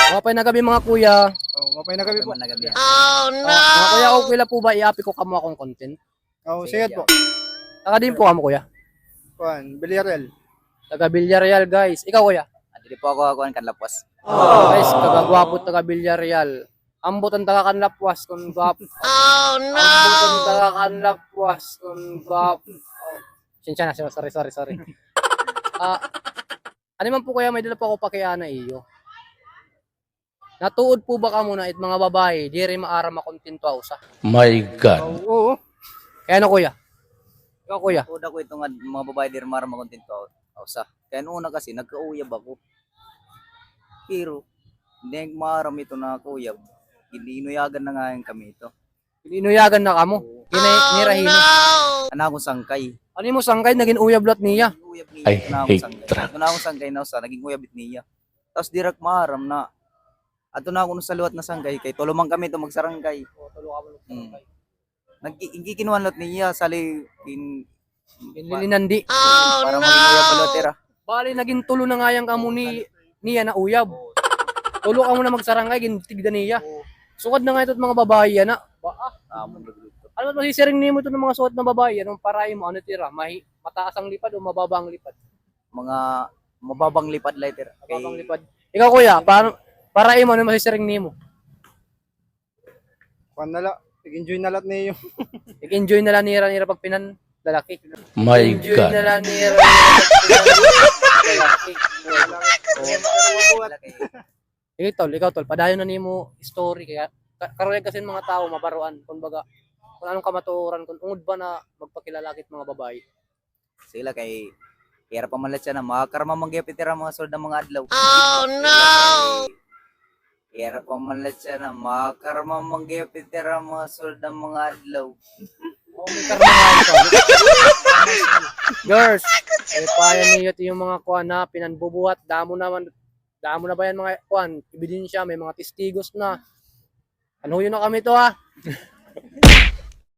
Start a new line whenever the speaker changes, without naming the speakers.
Mapay na gabi mga kuya.
Oh, mapay na gabi po.
Mga kuya, okay lang po ba i-api ko kamo akong content?
Oh, sige po.
Taga din po kamo kuya.
Kuan, Villarreal.
Taga Villarreal guys. Ikaw kuya.
Dili po ako kuan kanlapwas.
Guys, kagagwapo taga Villarreal. Ambot ang taga Kanlapwas kung gwapo. Oh no! Ambot ang taga Kanlapwas kung gwapo. Sinsya na, sorry. Ano man po kaya may dala po ako pakiana iyo. Natuod po ba ka muna it mga babae, di rin maara makontento sa.
My God.
Oh, oo.
Kaya ano kuya? Ikaw kuya.
Uda ko itong mga babae dir mara makontento sa. Kaya una kasi nagkauyab ako. Pero hindi maram ito na kuyab. Inuyagan na nga yung kami ito.
Inuyagan na kamo. Nirahino.
Ana akong sangkay.
Ano mo sangkay naging uyab lot niya?
Uyab niya.
I hate truck.
Ana akong sangkay na sa naging uyab niya. Tapos dirak maram na ato na ako sa luwat na sangkay kay tulumang kami to magsarangkay. Nagkikinuan lot niya sali
Inlilinandi.
para maging uyab balotera.
Bali naging tulo na nga yang kamo niya na uyab. Tulo ka mo na magsarangay gintigda niya. Sukad na nga ito't mga babae na.
Amon nagluto.
Ano ba masisiring nimo ito ng mga suot na babae? Anong paraay mo? Ano tira? Mataas ang lipad o mababa ang lipad?
Mga mababang lipad later.
Mababang lipad. Ikaw kuya, paraay mo ano masisiring nimo?
Kuan na la. Enjoy na lat niyo.
Enjoy na lang nira pag pinan lalaki.
My
Enjoy
God.
na lang nira lalaki. Ikaw tol, padayon na nimo story kaya karon kasi mga tao mabaruan kumbaga kung anong kamatuoran kung ungod ba na magpakilala kit mga babae.
Sila kay kaya pa man siya na makakarma mangyapitira mga sold ng mga adlaw. Oh no. Kaya pa man siya na makakarma mangyapitira mga sold ng mga adlaw.
Oh, may karma nga ito. Girls, payan niyo ito yung mga kuan na pinanbubuhat. Damo na ba yan mga kuan? Ebidensya, may mga testigos na. Ano yun na kami to ha?